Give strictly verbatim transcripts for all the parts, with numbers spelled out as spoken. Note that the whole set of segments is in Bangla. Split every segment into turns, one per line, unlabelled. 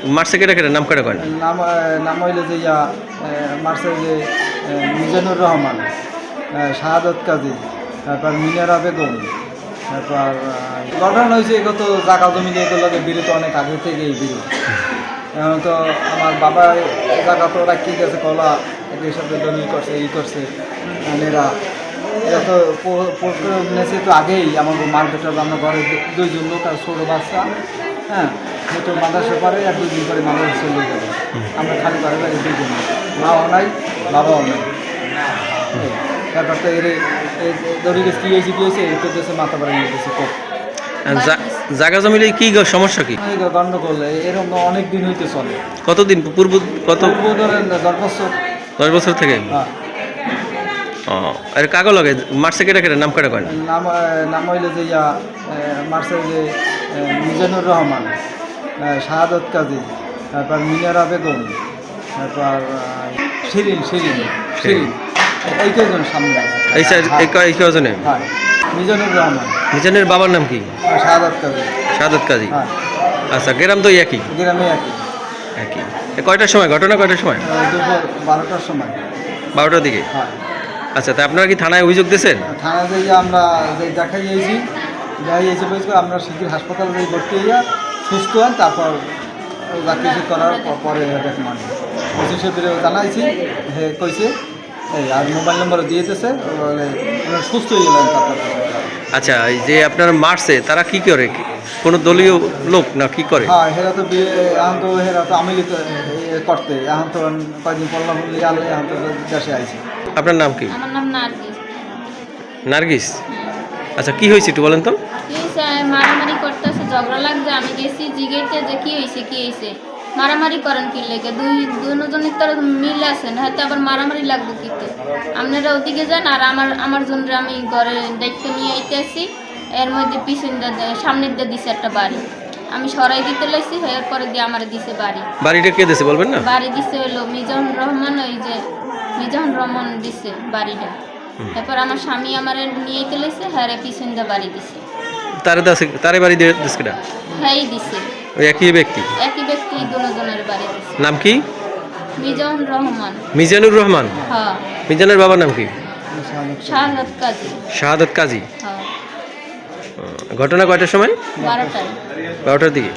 মারছে কেটে কেটে নাম কেটে কয়
নাম নাম হইলে যে ইয়া মারছে যে মিজানুর রহমান, শাহাদত কাজী, তারপর মিনারা বেগম, তারপর ঘটনা হয়েছে এগত জায়গা জমি দিয়ে এগুলোকে বিরত অনেক আগে থেকে এই বিরোধ। এখন তো আমার বাবা জায়গা তো রাখি গেছে কলা একই সাথে দলিল করছে ই করছে এরা এরা তো নেছে তো আগেই আমার মার বেটার আমরা ঘরে দুইজন লোক আর ছোটো বাচ্চা, হ্যাঁ হয়তো মাদ্রাসা পারে আর দুই দিন পরে মাদ্রাসা চলে যাবে। আমরা খালি ঘরে লাগে দুইজন, মাও নাই বাবাও নাই। তারপর তো এর দড়ি গেছে কী হয়েছে কী হয়েছে এই তো দেশে মাথা বাড়ি নিয়ে গেছে খুব
জায়গা জমিলে কি সমস্যা কি
গন্ডগোল এরকম অনেক দিন হইতে চলে।
কতদিন পূর্ব কত
ধরেন দশ বছর
দশ বছর থেকে?
হ্যাঁ।
ও আর কাগজ লাগে মারছে কেটে কেটে নাম কেটে কয়
নাম নাম হইলে যে ইয়া মারছে যে মিজানুর রহমান, শাহাদত কাজী, তারপর মিনারা বেগম, তারপর শিরিন শিরিন শিরিন এই কয়জন সামনে
এই এই কয়জনে?
হ্যাঁ মিজানুর রহমান।
মিজানের বাবার নাম কি?
শাহাদত কাজী।
শাহাদত কাজী।
হ্যাঁ।
আচ্ছা গ্রাম তো একই?
গ্রামে একই।
একই। কয়টার সময় ঘটনা কয়টার সময়?
দুপুর বারোটার সময়।
বারোটার দিকে?
হ্যাঁ।
আচ্ছা তা আপনারা কি থানায় অভিযোগ দিয়েছেন?
থানায় যাইয়া আমরা দেখাই যাইছি দেখাই যাইছি বলছি আমরা শিগগির হাসপাতালে যাই ভর্তি হইয়া সুস্থ হন, তারপর যা কিছু করার পরে দেখ মানে পঁচিশে ফিরে জানাইছি হে কইছে এই আর মোবাইল নম্বর দিয়ে দিতেছে বলে সুস্থ হয়ে গেলেন তারপর।
আচ্ছা এই যে আপনার মারছে তারা কি করে, কোনো দলীয় লোক না কি করে?
হ্যাঁ হেরা তো এখন তো হেরা তো আমি করতে এখন তো কয়েকদিন পড়লাম আলো এখন তো দেশে আইছি।
আপনার নাম কি?
আমার নাম নার্গিস।
নার্গিস? আচ্ছা কি হয়েছে একটু বলেন তো।
কি হয়েছে মারামারি করতেছে, ঝগড়া লাগছে, আমি গেছি জিগেতে যে কি হয়েছে কি হয়েছে মারামারি করেন কি লেগে দুই দুজনের তো মিল আছেন হয়তো আবার মারামারি লাগবে কিতে আপনারা ওদিকে যান আর আমার আমার জন্য আমি ঘরে দায়িত্ব নিয়ে আইতে আসি। এর মধ্যে পিছন সামনের দিয়ে দিছে একটা বাড়ি, আমি সরাই দিতে লাইছি এরপরে দিয়ে আমার দিছে বাড়ি।
বাড়িটা কে দিছে বলবেন না?
বাড়ি দিছে হলো মিজানুর রহমান, ওই যে মিজানুর রহমান দিছে বাড়িটা। এরপর আমার স্বামী আমার নিয়ে গেলেছে হ্যাঁ পিছন দিয়ে বাড়ি দিছে।
তারে দাসে তারে বাড়ি দিয়ে দিছে কেডা?
হ্যাঁ দিছে
ওই একই ব্যক্তি?
একই ব্যক্তি দুজনের বাড়ি দিছে।
নাম কি?
মিজানুর রহমান।
মিজানুর রহমান?
হ্যাঁ।
মিজানের বাবার নাম কি?
শাহাদত কাজী।
শাহাদত কাজী?
হ্যাঁ।
ঘটনা কয়টার সময়?
বারোটায়।
বারোটার দিকে?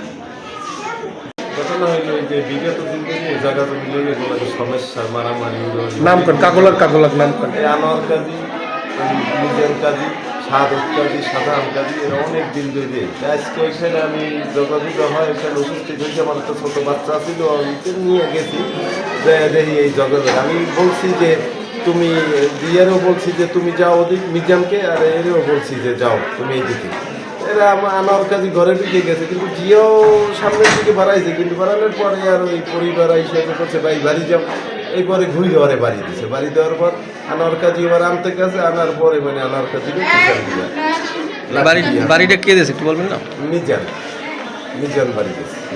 ঘটনা হইল যে বিগত দিন থেকে জায়গা জমি লইলে কোনো সমস্যা মারামারি
নাম করেন কাগলার কাগলার নাম করেন
আনোয়ার কাজী, মিজান কাজী, শাহাদত কাজী, সাধারণ কাজী এরা অনেক দিন ধরে। আজকে এখানে আমি যোগাযোগ হয় এখানে উপস্থিত হয়েছে, আমার একটা ছোটো বাচ্চা ছিল নিয়ে গেছি যে দেখি এই যোগাযোগ আমি বলছি যে তুমি দিয়ারও বলছি যে তুমি যাও ওদিক মিজানকে, আর এরও বলছি যে যাও তুমি এই দিকে। এরা আমার কাছে ঘরে ঢুকে গেছে কিন্তু জিও সামনের দিকে বাড়াইছে, কিন্তু বাড়ানোর পরে আর ওই পরিবার হিসেবে করছে ভাই বাড়ি যাও, এই পরে ঘুরে ঘরে বাড়ি দিচ্ছে। বাড়ি দেওয়ার পর আনোয়ার কাজী এবার আনতে গেছে, আনার পরে মানে আনোয়ার কাজী
বাড়িটা কে দিয়েছে একটু বলবেন না?
মিজান মিজান বাড়ি দিয়েছে।